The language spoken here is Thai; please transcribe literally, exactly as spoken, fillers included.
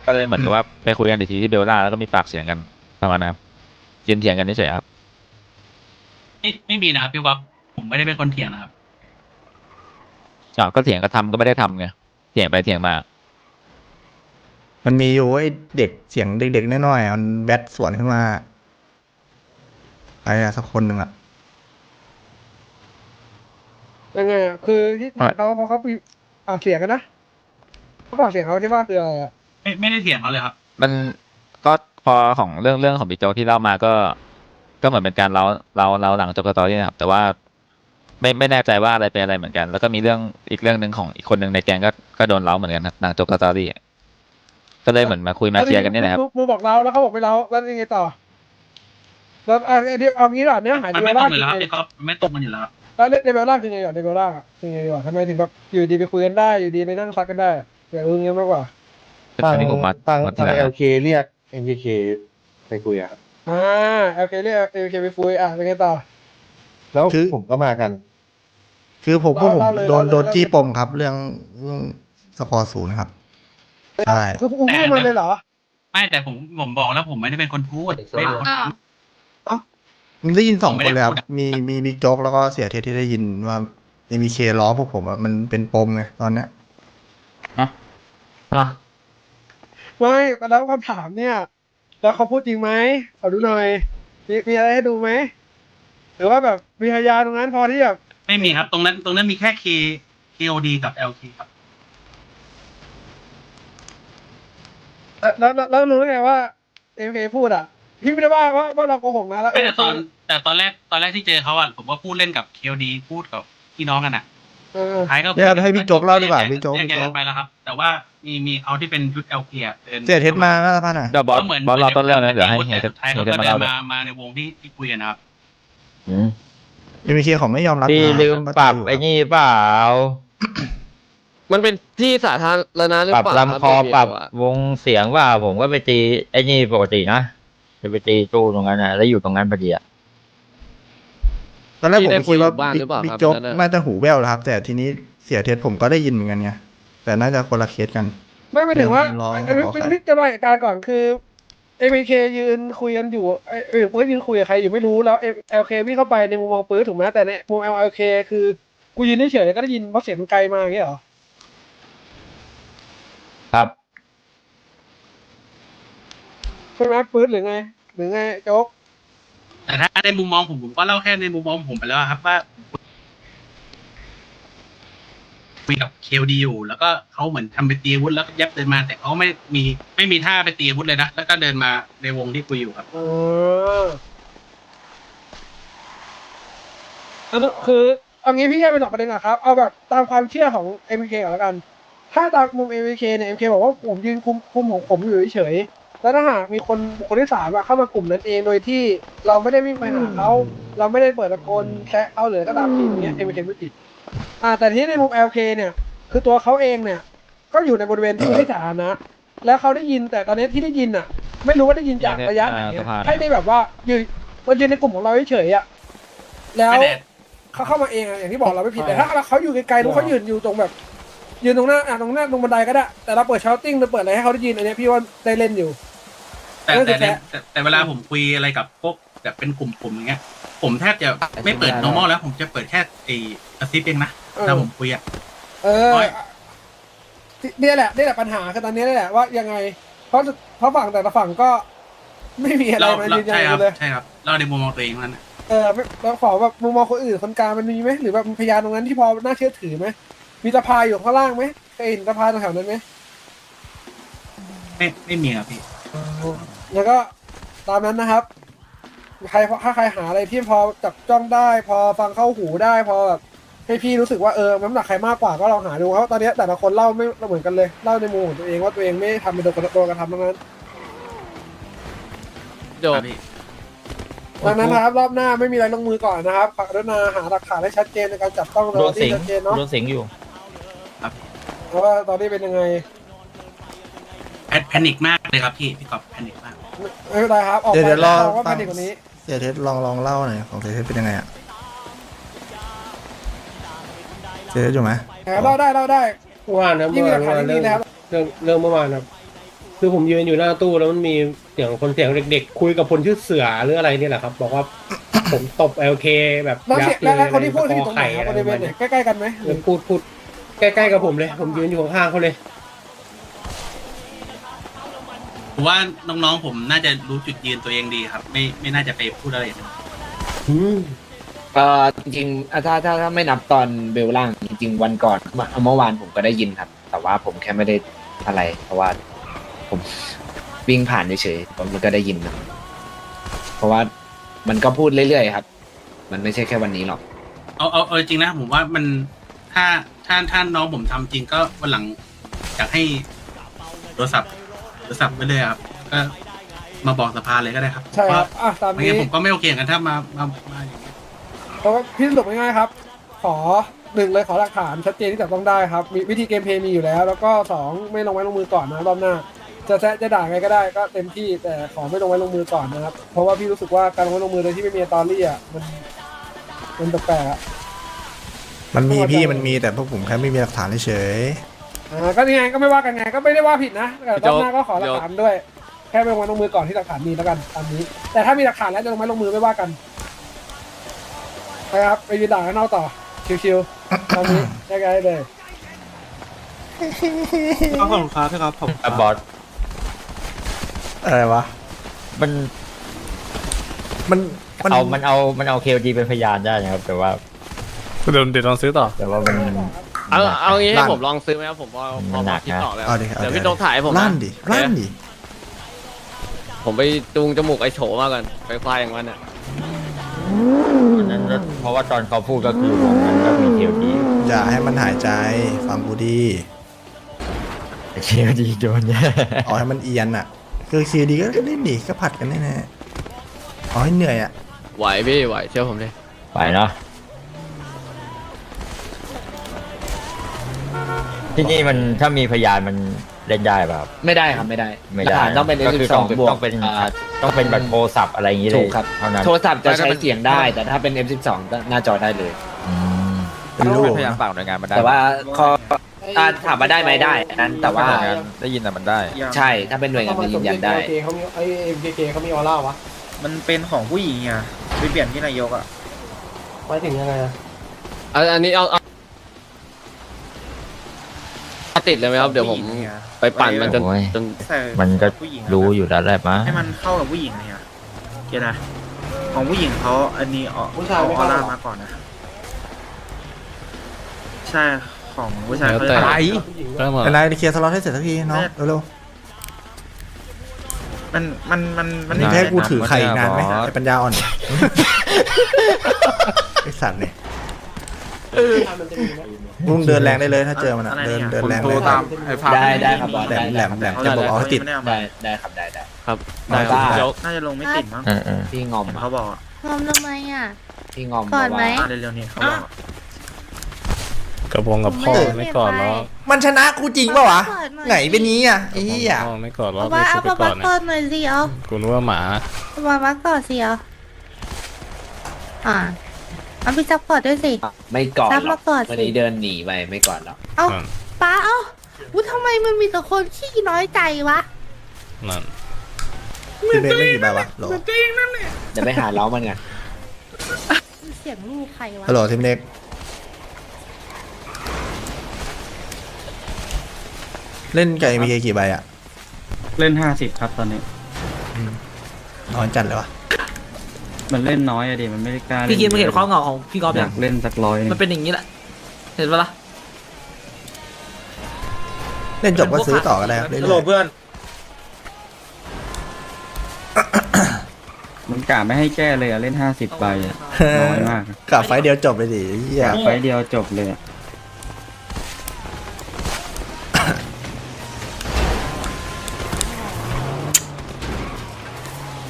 ก็เลยเหมือนกับว่าไปคุยกันอีกทีที่เบลล่าแล้วก็มีปากเสียงกันประมาณนั้นครับยืนเถียงกันเฉยๆครับไม่ไม่มีนะครับพี่ก๊อฟผมไม่ได้เป็นคนเถียงนะครับอ้าวก็เถียงก็ทำก็ไม่ได้ทำไงเถียงไปเถียงมามันมีอยู่ไอ้เด็กเสียงเด็กๆน้อยๆมันแบทสวนขึ้นมาใครอะสักคนหนึ่งอะยังไงอ่ะคือที่ถามเขาเพราะเขามีปากเสียงกันนะเขาปากเสียงเขาที่ว่าคืออะไรอ่ะไม่ไม่ได้เถียงเขาเลยครับมันก็พอของเรื่องเรื่องของบิ๊กโจ๊กที่เล่ามาก็ ก็เหมือนเป็นการเล่าเล่าเล่าหลังจบสตอรี่นะครับแต่ว่าไม่ไม่แน่ใจว่าอะไรเป็นอะไรเหมือนกัน แล้วก็มีเรื่องอีกเรื่องหนึ่งของอีกคนหนึ่งในแก๊งก็ก็โดนเล่าเหมือนกันนะหลังจบสตอรี่ก็เลยเหมือนมาคุยมาเคลียร์กันนี่แหละครับมูบอกเราแล้วเขาบอกไม่เราแล้วยังไงต่อแล้วอ่ะเดี๋ยวเอางี้ก่อนเนื้อหามันเดไม่เบลตรล่างอยู่คือแล้วครับไงพี่ก๊อฟไม่ตรงกันอยู่แล้วแล้วเดเบลล่าคือไงก่อนเดเบลล่าคือไงดีกว่าทำไมถึงแบบอยู่ดีไปคุยกันได้อยู่ดีไปนั่งซักกันได้อยากรู้งี้มากกว่าอันนี้ผมมาทางมาทีทางหลังเอลเคเรียกเอ็มเคไปคุยอะครับอ่าโอเคเรียกโอเคไปคุยอ่ะยังไงต่อแล้วผมก็มากันคือผมพวกผมเล่าเลยโดนเล่าเลยโดนจี้ปมครับ เรื่องเรื่องสกอร์ศูนย์ครับใช่คือกูพูดมาเลยเหรอไม่แต่ผมผมบอกแล้วผมไม่ได้เป็นคนพูดไม่ได้เป็นคนอ้าวมันได้ยินสองผมไม่คนได้เลยครับพูดอะมีมีบิ๊กโจ๊กแล้วก็เสียเทสที่ได้ยินว่าเอ็มเคล้อพวกผมอะมันเป็นปมไงตอนเนี้ยไม่แล้วคำถามเนี่ย แล้วเขาพูดจริงไหมขอดูหน่อยมีมีอะไรให้ดูไหมหรือว่าแบบมีพยานตรงนั้นพอที่แบบไม่มีครับ ตรงนั้นตรงนั้นมีแค่ K KOD กับ แอล เค ครับเอ่อแล้วแล้วแล้วรู้ได้ไงว่าเอ็มเคพูดอ่ะพี่ไม่ได้ว่าว่าว่าเราโกหกนะแล้วไม่แต่ตอนแต่ตอนแรกตอนแรกที่เจอเขาอ่ะผมก็พูดเล่นกับ เค โอ ดี พูดกับพี่น้องกันอ่ะเออท้ายก็เดี๋ยวให้บิ๊กโจ๊กเล่าดีกว่าบิ๊กโจ๊กแยบิ๊กแยโจ๊กกไปแล้วครับ แต่ว่ามีมีเขาที่เป็นชุด แอล เค อ่ะดินเสียเทสมาหน้าสภาหน่อยเดี๋ยวบอสก็เหมือนบอสรอต้นเรื่องนะเดี๋ยวให้เฮียแต่สุดท้ายเฮีเขายเทก็สมาเดิเล่าน เลยมามาในวงที่ที่คุยกันนะครับเอ็มเคเขาไม่ยอมรับพี่นะลืมปรับว่าไอ้นี่เปล่ามันเป็นที่สาธารณะหรือปรับเปล่าลำคอรับปรับเดี๋ยวอะวงเสียงว่าผมก็ไปตีไอ้นี่ปกตินะจะไปตีตู้ตรงนั้นนะแล้วอยู่ตรงนั้นพอดีอะตอนแรกผมก็คิดว่าที่ได้คุยอยู่บ้านหรือเปล่าบิ๊คกรับโจ๊กนั่นน่ะน่าจะหูแว่วแล้วครับ แต่ทีนี้เสียเทสผมก็ได้ยินเหมือนกันไงแต่น่าจะคนละเคสกันไม่ไม่ถึงว่าร้องเอ้ยขอเป็นใครพิจารณาเหตุการณ์ก่อนคือเอ็มเคยืนคุยกันอยู่ไอ้เออปื๊ดยืนคุยกับใครอยู่ไม่รู้แล้วเอลเควิ่งเข้าไปในมุมมองปื๊ดถูกไหมแต่ในมุมเอลเคคือกูยืนเฉยๆก็ได้ยินเพราะเสียงมันไกลมาอย่างเงี้ยเหรอครับใช่ไหมปื๊ดหรือไง หรือไงโจ๊กแต่ถ้าในมุมมองผมผมก็เล่าแค่ในมุมมองผมไปแล้วครับว่าคุยกับ เค โอ ดี อยู่ แล้วก็เขาเหมือนทำไปตีอาวุธแล้วก็ยับเดินมา แต่เขาไม่มีไม่มีท่าไปตีอาวุธเลยนะแล้วก็เดินมาในวงที่คุยอยู่ครับเอออันนั้นคือเอางี้พี่แค่เป็นหลักประเด็นอะครับ เอาแบบตามความเชื่อของ เอ็ม เค ก่อนแล้วกัน ถ้าตามมุม เอ็ม เค เนี่ย เอ็ม เค บอกว่าผมยืนคุมคุมของผมอยู่เฉยๆแล้วถ้าหากมีคนบุคคลที่สามอะเข้ามากลุ่มนั้นเองโดยที่เราไม่ได้วิ่งไปหาเขาเราไม่ได้เปิดตะโกนแซะเขาหรือก็ตามทีอย่างเงี้ย เอ็ม เค ไม่ผิดอ่าแต่ที่ในมุม แอล เค เนี่ย คือตัวเขาเองเนี่ย ก็อยู่ในบริเวณที่สาธารณะแล้วเขาได้ยินแต่ตอนนี้ที่ได้ยินอ่ะ ไม่รู้ว่าได้ยินจากระยะไหนอะให้ได้แบบว่ายืนมันยืนในกลุ่มของเราเฉยๆอ่ะแล้วไม่แต่เขาเข้ามาเองอะอย่างที่บอกเราไม่ผิดแต่ถ้าเขาอยู่ไกลๆรู้เขายืนอยู่ตรงแบบ ยืนตรงหน้าอ่ะตรงหน้าตรงบันไดก็ได้แต่เราเปิดชาร์ติ้งเราเปิดอะไรให้เขาได้ยินอันเนี้ยพี่ว่าได้เล่นอยู่แต่นั่นคืแต่อในแพ้แต่แต่เวลาผมคุยอะไรกับพวกแบบเป็นกลุ่มผมอย่างเงี้ย ผมแทบจะไม่เปิด normal แล้ว ผมจะเปิดแค่ไอ้กระซิบเองนะถ้าผมคุยอ่ะเออเนี่ยแหละนี่แหละปัญหาคือตอนนี้นี่แหละว่ายังไง เพราะเพราะฝั่งแต่ละฝั่งก็ไม่มีอะไรเรามาเรายืนยันใช่ครับเลยใช่ครับ เราในมุมมองตัวเองเท่านั้นนะเออไม่เราขอแบบมุมมองคนอื่นคนกลางมันมีไหมหรือแบบมีพยานตรงนั้นที่พอน่าเชื่อถือไหมมีสภาอยู่ข้างล่างไหมเคยเห็นสภาตรงแถวนั้นไหมไม่ไม่มีครับพี่แล้วก็ตามนั้นนะครับใครถ้าใครหาอะไรที่พอจับจ้องได้ พอฟังเข้าหูได้พอแบบให้พี่รู้สึกว่าเออน้ำหนักใครมากกว่าก็ลองหาดูครับตอนนี้แต่ละคนเล่าไม่เหมือนกันเลยเล่าในมุมของตัวเองว่าตัวเองไม่ทำเป็นโดนกระโดนกระทำทั้งนั้นจบครับพี่ดังนั้นนะครับรอบหน้าไม่มีอะไรลงมือก่อนนะครับขอกรุณาหาหลักฐานให้ชัดเจนในการจับต้องโดเรานสิที่งชัดเจนเนาะโดนสิงอยู่เพราะว่าตอนนี้เป็นยังไงแพแพนิคมากเลยครับพี่พี่กอบแพนิคมากไม่เป็นไรครับออกเดี๋ยวไปเดี๋ยวรอเราก็ฟัเป็งนกว่านี้เสียเทสลองลองเล่าหน่อยของเสียเทสเป็นยังไงอะเสียเทสอยู่ไหมเล่าได้เล่าได้เมื่อวานนะยิ่เมื่งอมีหวาลันกฐานเมื่อวานยิ่งเรื่ดีองนะครับเรื่องเรื่องเมื่อวานครับคือผมยืนอยู่หน้าตู้แล้วมันมีเสียงคนเสียงเด็กๆคุยกับคนชื่อเสือหรืออะไรเนี่ยแหละครับ บอกว่า ผมตบ แอล เค แบบแล้วยัเสียบเลยแล้วคนที่พูดที่ตตรงไหนไข่ครับอะบไรริประเวมาณณไหนเนี้ยใกล้ๆกันไหมเออพูดพูดใกล้ๆกับผมเลย ผมยืนอยู่ข้างๆเขาเลยผมว่าน้องๆผมน่าจะรู้จุดยืนตัวเองดีครับ ไม่ไม่น่าจะไปพูดอะไรอย่างนั้นอืมเอ่อจริงๆอ่ะถ้าถ้าถ้าไม่นับตอนเบลล่างจริงๆวันก่อนเมื่อเมื่อวานผมก็ได้ยินครับ แต่ว่าผมแค่ไม่ได้อะไร เพราะว่าผมวิ่งผ่านเฉยๆผมก็ได้ยินนะเพราะว่ามันก็พูดเรื่อยๆครับ มันไม่ใช่แค่วันนี้หรอกเอาเอาเอาจริงนะผมว่ามันถ้าถ้าถ้าน้องผมทำจริงก็วันหลังอยากให้โทรศัพท์โทรศัพท์ไปเลยครับก็มาบอกสภาเลยก็ได้ครับใช่ครับอ่ะตามไม่นี้งั้นผมก็ไม่โอเคกันถ้ามามามาอย่างนี้เพราะว่าพี่สรุปง่ายๆครับ ขอหนึ่งเลยขอหลักฐานชัดเจนที่จับต้องได้ครับมีวิธีเกมเพลย์มีอยู่แล้ว แล้วก็สองไม่ลงไม้ลงมือก่อนนะรอบหน้า จะแซะจะด่าไงก็ได้ก็เต็มที่แต่ขอไม่ลงไม้ลงมือก่อนนะครับ เพราะว่าพี่รู้สึกว่าการลงไม้ลงมือโดยที่ไม่มีตอรี่อ่ะมันมันแปลกๆอ่ะมันมีพี่มันมีแต่พวกผมแค่ไม่มีหลักฐานเฉยอ่าก็นี่ไงก็ไม่ว่ากันไงก็ไม่ได้ว่าผิดนะแต่รอบหน้าก็ขอหลักฐานด้วย แค่ไปลงไม้ลงมือก่อนที่หลักฐานมีแล้วกันตามนี้ แต่ถ้ามีหลักฐานแล้วจะลงไม้ลงมือไม่ว่ากันไปครับไปยืนด่ากันนอกต่อชิวๆตอนนี้แยกย้ายเลยขอบคุณครับพี่ครับผมอ่ะบอสๆอะไรวะมันมันมันเอามันเอามันเอาเคลดีเป็นพยานได้นะครับ แต่ว่าเดี๋ยวเดี๋ยวลองซื้อต่อแต่ว่ามันเอาเอางี้ให้ผมลองซื้อไหมครับผมพอพอมันหพนัอก คิดนะออกแล้วเอาดิเอาเดี๋ยวดิพี่ต้องถ่ายให้ผมนะลั่นดิลั่นดิผมไปจูงจมูกไอ้โฉมาก่อนไปควายอย่างมันอ่ะอันนั้นก็เพราะว่าตอนเขาพูดก็คือวงนั้นก็มีเคลดีอย่าให้มันหายใจฟังกูดีเคลดีโดนแย่เอาให้มันเอียนอ่ะคือซีดีก็เล่นดิก็ผัดกันแน่ๆเอาให้เหนื่อยอ่ะไหวพี่ไหวเชื่อผมเลยไปเนาะที่นี่มันถ้ามีพยานมันเล่นได้ป่ะครับไม่ได้ครับไม่ได้ไม่หลักได้ฐานต้องเป็นก็คืสิบสองต้องบวกต้องเป็นอ่าต้องเป็นแบบโทรศัพท์อะไรอย่างงี้เลถูยกครับเท่านั้นโทรศัพท์จะใช้เสียงได้ แต่ถ้าเป็น เอ็ม สิบสอง หน้าจอได้เลยอืมเป็นลูกพยายามฝากหน่วยงานมาได้แต่ว่าข้ออ่าถามมาได้ไหมได้อันนั้นแต่ว่าหน่วยงานได้ยินแต่มันได้ใช่ถ้าเป็นหน่วยงานจะยืนยันได้เขามีไอ้เอ็มเคเขามีออร่าวะมันเป็นของผู้หญิงอ่ะไปเปลี่ยนที่นายกอ่ะหมายถึงยังไงอะอันอันนี้เอาเอาเอาติดเลยไหมครับเดี๋ยวผมไปปั่นมันจนโอ้ยจนมันก็รู้อยู่แล้วแหละมั้งให้มันเข้ากับผู้หญิงเนี่ยเก็ตนะของผู้หญิงเขาอันนี้ออกผู้ชายเอาไม่ออเข้าร่ามาก่อนนะ ใช่ของผู้ชายเขาแล้วแต่จะเป็นไรเคลียร์สล็อตให้เสร็จสักทีน้องเร็วมันมันมันมันๆนี่ให้กูถือไข่อีกนานไหมไอ้ปัญญาอ่อนไอ้สัตว์เนี่ยมึงเดินแรงได้เลยถ้าเจอมันอ่ะเดินเดินแรงเลยได้ได้ครับบอสแหลได้มแหลมแหลมจะบอกเอาให้ติดได้ได้ครับได้ได้ครับได้ได้ครับเดี๋ยวน่าจะลงไม่ติดมั้งเออเออพี่งอมเห็นอะเขาบอกอะงอมทำไมอ่ะพี่งอมก่อนไหมบว่าอ่ะเร็วๆนี่เขาบอกอะกระพงกับพ่อไม่ก่อนแล้วมันชนะกูจริงเปล่าวะไหนเป็นนี้อ่ะไอ้เหี้ยไม่ก่อนแล้วว่าเอาปะปะก่อนหน่อยสิเอากูนึกว่าหมามามาก่อนสิเอาอ่าเอาพี่ซับก่อนด้วยสิไม่ก่อนซับหรมาอกก่อนสิวันนี้เดินหนีไปไม่ก่อนหรอกเอาป้าเอาวุ้ทำไมมันมีแต่คนขี้น้อยใจวะพี่เบสเล่นกี่ใบวะโหลเดี๋ยวไปหาเล้ามันไงเสียงลูกใครวะฮัลโหลทีมเล็กเล่นไก่มีกี่ใบอ่ะเล่นห้าสิบครับตอนนี้น้อยจัดเลยวะมันเล่นน้อยอะดิมันไม่ได้กล้าพี่กินมาเห็นข้อเงาของพี่กอล์ฟอยากเล่นสักร้อยมันเป็นอย่างนี้แหละเห็นปะล่ะเล่นจบก็ซื้อต่อก็ได้ครับเรื่อยๆเพื่อนมันกะไม่ให้แก้เลยอะเล่นห้าสิบใบอะน้อยมากกลับไฟล์เดียวจบเลยดิเหี้ยไฟเดียวจบเลยอะ